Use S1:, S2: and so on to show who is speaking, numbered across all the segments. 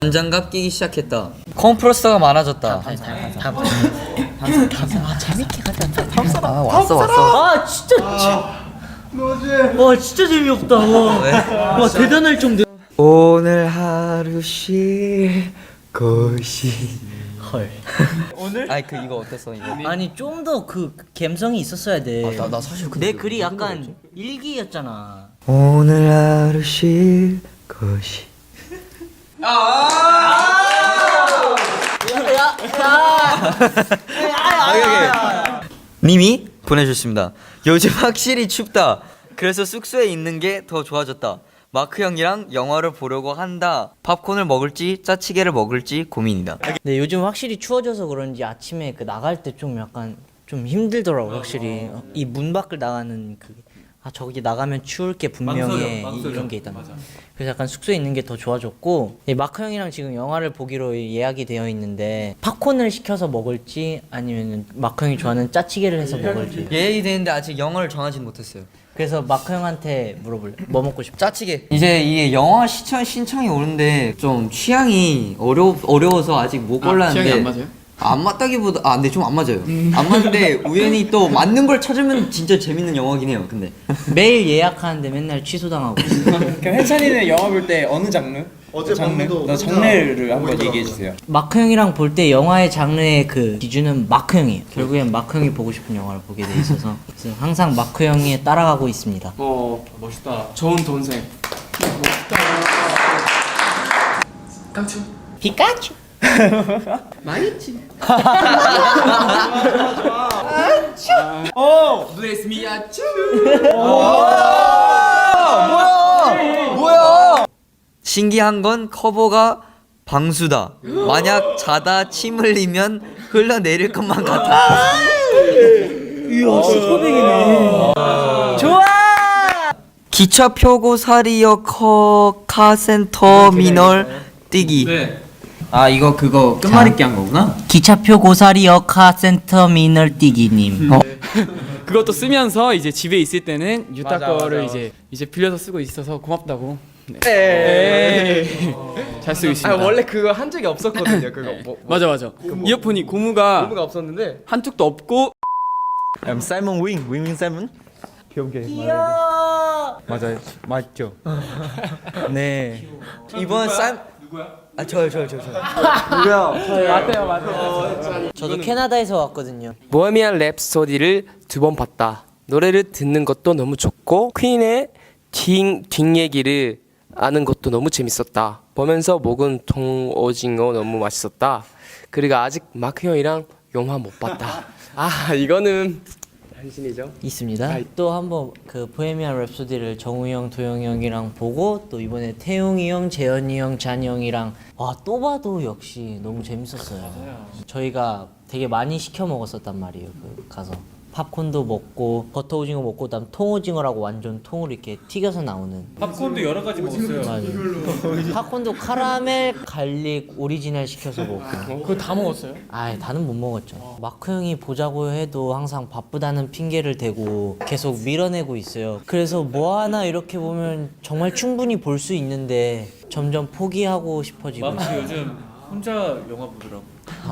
S1: 장갑 끼기 시작했다. 컴프레서가 많아졌다.
S2: 아 재밌게 가자.
S1: 왔어.
S2: 아 진짜. 와 진짜 재미없다. 와 대단할 정도.
S1: 오늘 하루 쉴 곳이.
S2: 헐.
S1: 오늘? 아니 그 이거 어땠어 이거?
S2: 아니 좀 더 그 감성이 있었어야 돼.
S1: 나 사실
S2: 내 글이 약간 일기였잖아.
S1: 오늘 하루 쉴 곳이. 님이 보내주셨습니다. 요즘 확실히 춥다. 그래서 숙소에 있는 게 더 좋아졌다. 마크 형이랑 영화를 보려고 한다. 팝콘을 먹을지 짜치게를 먹을지 고민이다.
S2: 네 요즘 확실히 추워져서 그런지 아침에 그 나갈 때 좀 약간 좀 힘들더라고 확실히. 이 문 밖을 나가는 그 저기 나가면 추울 게 분명해. 이런 게 있단 말이야. 그래서 약간 숙소에 있는 게 더 좋아졌고, 마크 형이랑 지금 영화를 보기로 예약이 되어 있는데 팝콘을 시켜서 먹을지 아니면 마크 형이 좋아하는 짜치게를 해서 먹을지.
S1: 예약이 되는데 아직 영화를 정하진 못했어요.
S2: 그래서 마크 형한테 물어볼래. 뭐 먹고 싶어?
S1: 짜치게. 이제 이게 영화 신청이 오는데 좀 취향이 어려워서 아직 못 골랐는데.
S3: 취향이 안 맞아요?
S1: 안 맞다기보다 근데 좀 안 맞아요. 안 맞는데 우연히 또 맞는 걸 찾으면 진짜 재밌는 영화긴 해요. 근데
S2: 매일 예약하는데 맨날 취소당하고 있어.
S3: 그럼 해찬이는 영화 볼 때 어느 장르?
S4: 어제
S3: 장르?
S4: 밤에도
S3: 너
S4: 혼자
S3: 장르를 한번
S4: 보이더라고요.
S3: 얘기해 주세요.
S2: 마크 형이랑 볼 때 영화의 장르의 그 기준은 마크 형이에요. 결국엔 마크 형이 보고 싶은 영화를 보게 돼 있어서 그래서 항상 마크 형에 따라가고 있습니다.
S3: 멋있다. 좋은 동생. 깡충.
S2: 피카츄.
S3: Bless me, 아츄.
S1: 뭐야? 신기한 건 커버가 방수다. 만약 자다 침 흘리면 흘러내릴 것만 같아.
S2: 이야 슈퍼백이네. 좋아.
S1: 기차 표고 사리역 카센터미널 뛰기.
S3: 네. 아 이거 그거 끝말잇기 한 거구나.
S2: 기차표 고사리역 카센터미널 뛰기님.
S5: 그것도 쓰면서 이제 집에 있을 때는 유타
S3: 맞아,
S5: 거를
S3: 맞아.
S5: 이제 빌려서 쓰고 있어서 고맙다고. 네. 잘 쓰고 있습니다.
S6: 원래 그거 한 적이 없었거든요. 그거
S5: 맞아. 이어폰이 고무가
S6: 없었는데
S5: 한쪽도 없고.
S4: I'm Simon Wing Simon.
S2: 귀여워.
S4: 맞아요, 맞죠.
S2: 네.
S1: 이번 쌈 저요.
S2: 저도 캐나다에서 왔거든요.
S7: 보헤미안 랩소디를 2번 봤다. 노래를 듣는 것도 너무 좋고 퀸의 뒷얘기를 아는 것도 너무 재밌었다. 보면서 먹은 통오징어 너무 맛있었다. 그리고 아직 마크 형이랑 영화 못 봤다. 아 이거는 당신이죠.
S2: 있습니다. 또 한번 그 보헤미안 랩소디를 정우 형, 도영 형이랑 보고 또 이번에 태용이 형, 재현이 형, 잔이 형이랑 또 봐도 역시 너무 재밌었어요. 저희가 되게 많이 시켜 먹었었단 말이에요. 그 가서 팝콘도 먹고 버터 오징어 먹고 그다음 통오징어라고 완전 통으로 이렇게 튀겨서 나오는.
S3: 팝콘도 여러 가지 먹었어요.
S2: 맞아요. 팝콘도 카라멜, 갈릭, 오리지널 시켜서 먹고.
S5: 그거 다 먹었어요?
S2: 다는 못 먹었죠. 마크 형이 보자고 해도 항상 바쁘다는 핑계를 대고 계속 밀어내고 있어요. 그래서 뭐 하나 이렇게 보면 정말 충분히 볼 수 있는데 점점 포기하고 싶어지고 있어요.
S3: 요즘 혼자 영화 보더라고.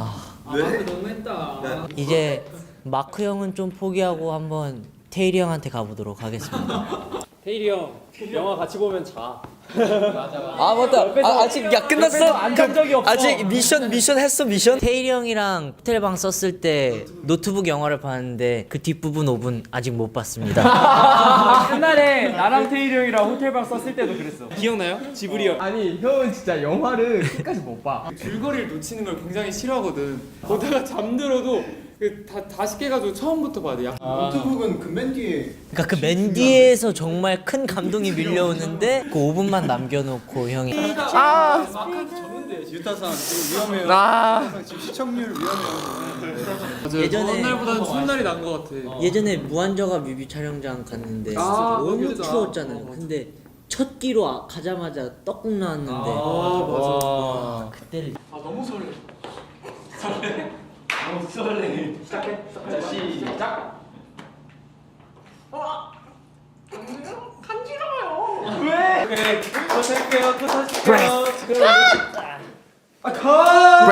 S2: 이제 마크 형은 좀 포기하고 한번 테일이 형한테 가보도록 하겠습니다.
S5: 태일이 형 영화 같이 보면 자.
S1: 맞다. 아직 끝났어?
S5: 안잔 적이 없어.
S1: 아직 미션 했어 미션?
S2: 테일이 형이랑 호텔방 썼을 때 노트북 영화를 봤는데 그 뒷부분 5분 아직 못 봤습니다.
S5: 옛날에 나랑 태일이 형이랑 호텔방 썼을 때도 그랬어. 기억나요? 지브리 형.
S6: 아니 형은 진짜 영화를 끝까지 못 봐.
S5: 줄거리를 놓치는 걸 굉장히 싫어하거든. 보다가 잠들어도 다시 깨가지고 처음부터 봐야 돼.
S4: 노트북은 그 맨 뒤에
S2: 그러니까 그 맨 뒤에서 정말 큰 감동이 밀려오는데 그 5분만 남겨놓고 형이
S3: 유타산 지금 위험해요. 지금 시청률 위험해요.
S2: 예전에
S5: 더운 날보다는 추운 날이 난 것 같아.
S2: 예전에 무한저가 뮤비 촬영장 갔는데 너무
S5: 맞아.
S2: 추웠잖아요. 근데 첫 끼로 가자마자 떡국 나왔는데
S5: 맞아.
S2: 그때를
S5: 너무 설레. 너무 설레. 시작해. 자, 시작. 간지러워요. 왜? 또 살게요. 또 사실게요.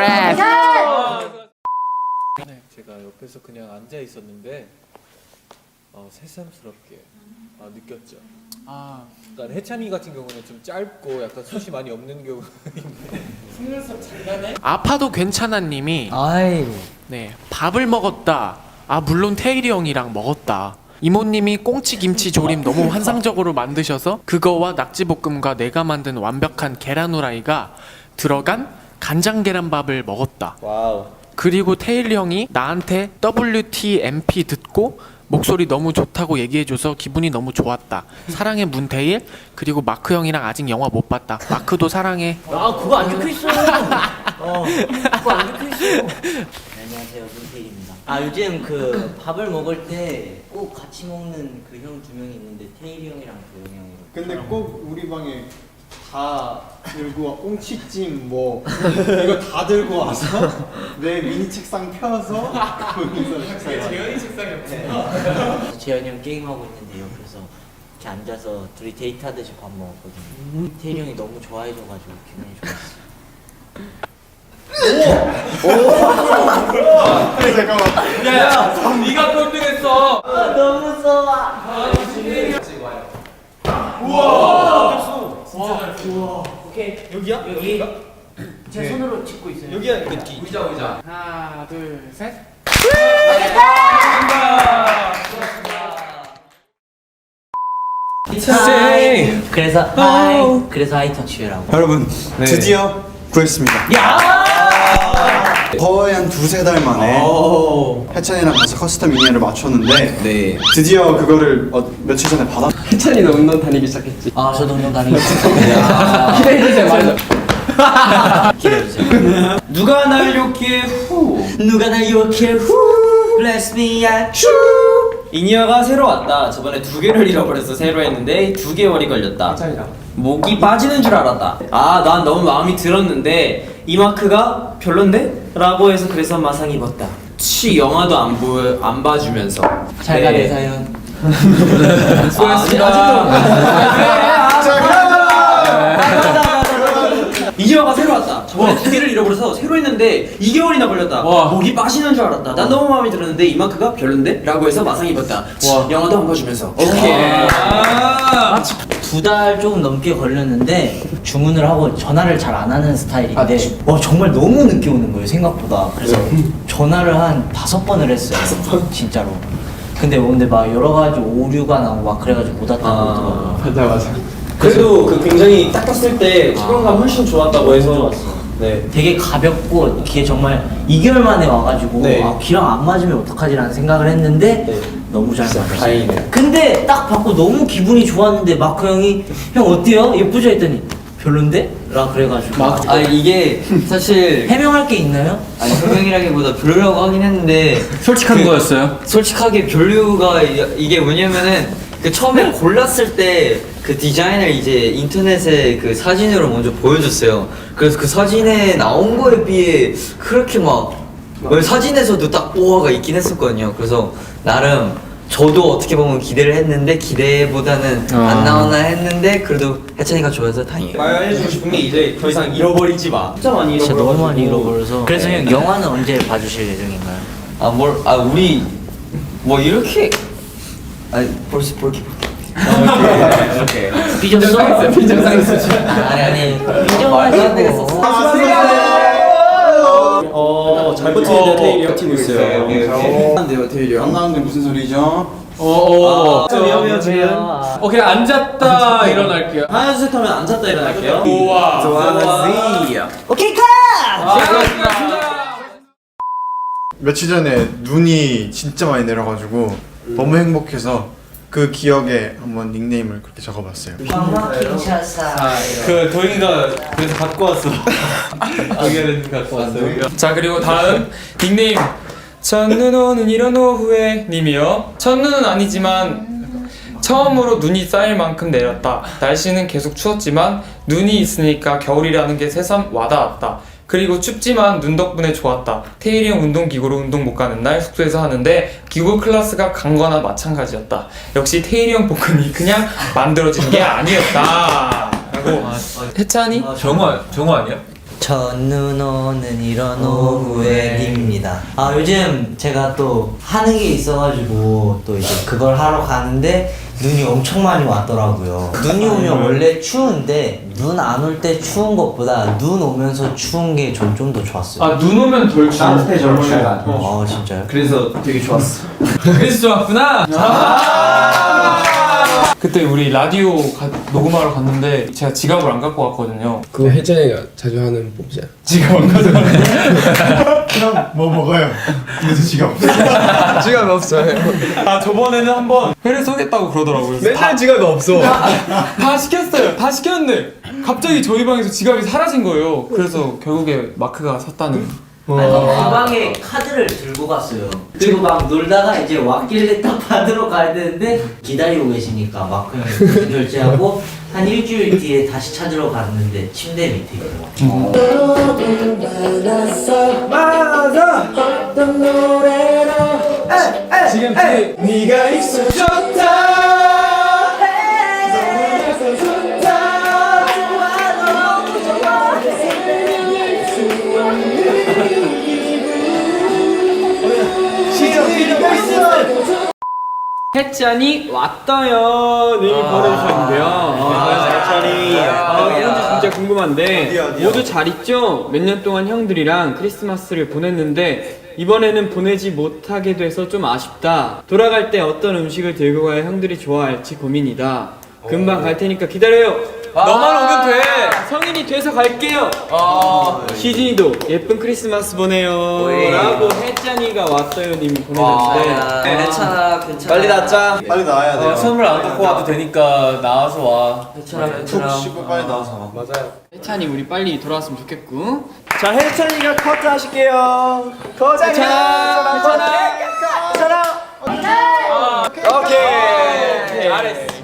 S7: Congrats.
S3: 제가 옆에서 그냥 앉아 있었는데 새삼스럽게 느꼈죠. 그러니까 해찬이 같은 경우는 좀 짧고 약간 숱이 많이 없는 경우인데
S5: 아파도 괜찮아님이
S2: 아이고.
S5: 네 밥을 먹었다. 아 물론 태일이 형이랑 먹었다. 이모님이 꽁치 김치 조림 너무 환상적으로 만드셔서 그거와 낙지볶음과 내가 만든 완벽한 계란 후라이가 들어간 간장 계란밥을 먹었다.
S1: 와우.
S5: 그리고 태일 형이 나한테 WTMP 듣고 목소리 너무 좋다고 얘기해줘서 기분이 너무 좋았다. 사랑해 문태일. 그리고 마크 형이랑 아직 영화 못 봤다. 마크도 사랑해.
S2: 아 그거 안 적혀 있어. 그거 안 적혀 있어. 안녕하세요, 문태일입니다. 아 요즘 그 밥을 먹을 때 꼭 같이 먹는 그 형 두 명이 있는데 태일이 형이랑 도영이 형이랑.
S4: 근데 꼭 우리 방에 다 들고 와 꽁치찜 뭐 이거 다 들고 와서 내 미니 책상 펴서 거기서 식사를
S5: 재현이 책상이었구나.
S2: 그래서 재현이 형 게임하고 있는데 옆에서 이렇게 앉아서 둘이 데이트하듯이 밥 먹었거든요. 태일이 형이 너무 좋아해줘가지고 기분이 좋았어.
S5: 야, 네가 꼴등했어.
S2: 너무 무서워. 오케이. 여기야? 여기. 제 손으로 찍고 있어요.
S1: 여기야 그 뒤.
S5: 하나, 둘, 셋.
S2: 그래서 하이터치라고.
S4: 여러분 드디어 구했습니다. 거의 한 두세 달 만에 해찬이랑 같이 커스텀 미니를 맞췄는데 드디어 그거를 며칠 전에 받았.
S6: 해찬이도 운동 다니기 시작했지.
S2: 아 저도 운동 다니고 있어요.
S6: 기대해주세요. 맞아.
S2: 기대해주세요.
S3: 누가 날 욕해 후
S2: 누가 날 욕해 후 Bless me I
S3: 이니어가 새로 왔다. 저번에 2개를 잃어버려서 새로 했는데 2개월이 걸렸다.
S6: 해찬이랑.
S3: 목이 빠지는 줄 알았다. 난 너무 마음이 들었는데 이 마크가 별론데? 라고 해서 그래서 마상 입었다. 영화도 안 봐주면서.
S2: 잘 가 내 사연.
S3: 이니어가 새로 왔다. 저번에 2개를 잃어버려서 새로 했는데 2개월이나 걸렸다. 목이 빠지는 줄 알았다. 난 너무 마음에 들었는데 이 마크가 별론데? 라고 해서 마상 입었다. 영화도 안 봐주면서. 오케이.
S2: 2달 조금 넘게 걸렸는데 주문을 하고 전화를 잘 안 하는 스타일인데 정말 너무 늦게 오는 거예요 생각보다. 그래서 전화를 한 5번을 했어요. 진짜로. 근데 막 여러 가지 오류가 나고 막 그래가지고 못 왔다고 그러더라고요.
S6: 맞아.
S3: 그래도 그 굉장히 닦았을 때 착용감 훨씬 좋았다고 해서.
S2: 좋았어.
S3: 네.
S2: 되게 가볍고 귀에 정말 2개월 만에 와가지고
S3: 네.
S2: 귀랑 안 맞으면 어떡하지라는 생각을 했는데
S3: 네.
S2: 너무 잘 맞았어요.
S3: 다행이네요.
S2: 근데 딱 받고 너무 기분이 좋았는데 마크 형이 형 어때요? 예쁘죠? 했더니 별론데? 라 그래가지고
S1: 이게 사실
S2: 해명할 게 있나요?
S1: 아니 설명이라기보다 별로라고 하긴 했는데
S3: 솔직한 거였어요?
S1: 솔직하게 별로가 이게 뭐냐면은 그 처음에 골랐을 때 그 디자인을 이제 인터넷에 그 사진으로 먼저 보여줬어요. 그래서 그 사진에 나온 거에 비해 그렇게 막 사진에서도 딱 우와가 있긴 했었거든요. 그래서 나름 저도 어떻게 보면 기대를 했는데 기대보다는 안 나오나 했는데 그래도 해찬이가 좋아서 다행이에요.
S3: 말해주고 싶은 게 이제 더 이상 잃어버리지 마. 진짜 많이
S2: 진짜
S3: 잃어버려.
S2: 너무 많이 잃어버려서 그래서 형 영화는 언제 봐주실 예정인가요?
S1: 우리 뭐 이렇게 벌써 볼게.
S3: 오케이.
S2: 삐졌어?
S6: 빈정상했어.
S2: 아니 삐져가지고
S3: 잘 버티는데 테일이 버티고 있어요.
S4: 안돼요 테일이 안 나오는데 무슨 소리죠?
S3: 위험해요 지금.
S5: 오케이 앉았다 일어날게요.
S3: 하나 둘 셋 하면 앉았다 일어날게요.
S5: 우와.
S2: 오케이 컷!
S8: 며칠 전에 눈이 진짜 많이 내려가지고 너무 행복해서 그 기억에 한번 닉네임을 그렇게 적어봤어요.
S3: 그 도영이가 그래서 갖고 왔어. 도영이는 갖고 왔어요.
S5: 자 그리고 다음 닉네임 첫눈 오는 이런 오후에 님이요. 첫눈은 아니지만 처음으로 눈이 쌓일 만큼 내렸다. 날씨는 계속 추웠지만 눈이 있으니까 겨울이라는 게 새삼 와닿았다. 그리고 춥지만 눈 덕분에 좋았다. 태일이 형 운동기구로 운동 못 가는 날 숙소에서 하는데 기구 클래스가 간 거나 마찬가지였다. 역시 태일이 형 복근이 그냥 만들어진 게 아니었다. 라고 해찬이?
S3: 정화 아니야?
S2: 첫눈 오는 이런 오후에입니다. 아 요즘 제가 또 하는 게 있어가지고 또 이제 그걸 하러 가는데 눈이 엄청 많이 왔더라고요. 눈이 오면 원래 추운데 눈 안 올 때 추운 것보다 눈 오면서 추운 게 좀 더 좋았어요.
S5: 아 눈 오면 덜 추워.
S3: 따뜻해 절 추워.
S2: 아 진짜요?
S3: 그래서 되게 좋았어.
S5: 그래서 좋았구나. 그때 우리 라디오 녹음하러 갔는데 제가 지갑을 안 갖고 갔거든요.
S7: 그거 혜진이가 자주 하는 뽑지야.
S5: 지갑 안 가져갔는데
S8: 그럼 뭐 먹어요? 그래서 지갑 없어.
S7: 지갑이 없어요.
S5: 아 저번에는 한번 회를 쏘겠다고 그러더라고요. 그래서 다,
S7: 지갑이 없어.
S5: 다 시켰어요. 다 시켰는데 갑자기 저희 방에서 지갑이 사라진 거예요. 그래서 결국에 마크가 샀다는.
S2: 아니 그 방에 카드를 들고 갔어요. 그리고 막 놀다가 이제 왔길래 딱 받으러 가야 되는데 기다리고 계시니까 마크 형이 대신 결제하고 한 일주일 뒤에 다시 찾으러 갔는데 침대 밑에 있더라고요.
S5: 지금 네가 있어 좋다.
S6: 혜찬이 왔다요를 보내주셨는데요. 혜찬이 이건지 진짜 궁금한데 모두 잘 있죠? 몇 년 동안 형들이랑 크리스마스를 보냈는데 이번에는 보내지 못하게 돼서 좀 아쉽다. 돌아갈 때 어떤 음식을 들고 가야 형들이 좋아할지 고민이다. 금방 갈 테니까 기다려요.
S5: 너만 오면 돼.
S6: 성인이 돼서 갈게요. 시진이도 예쁜 크리스마스 보내요. 라고 혜찬이가 왔어요 님이 보내줬는데
S1: 괜찮아 괜찮아.
S3: 빨리 낫자.
S4: 빨리 나와야 돼요.
S5: 선물 안 갖고 와도 되니까 나와서 와.
S1: 괜찮아
S4: 푹
S1: 괜찮아.
S4: 쉬고 빨리 나와서 와.
S6: 혜찬이 우리 빨리 돌아왔으면 좋겠고.
S3: 자 혜찬이가 커트 하실게요. 커트. 혜찬아. 오케이. 잘했어.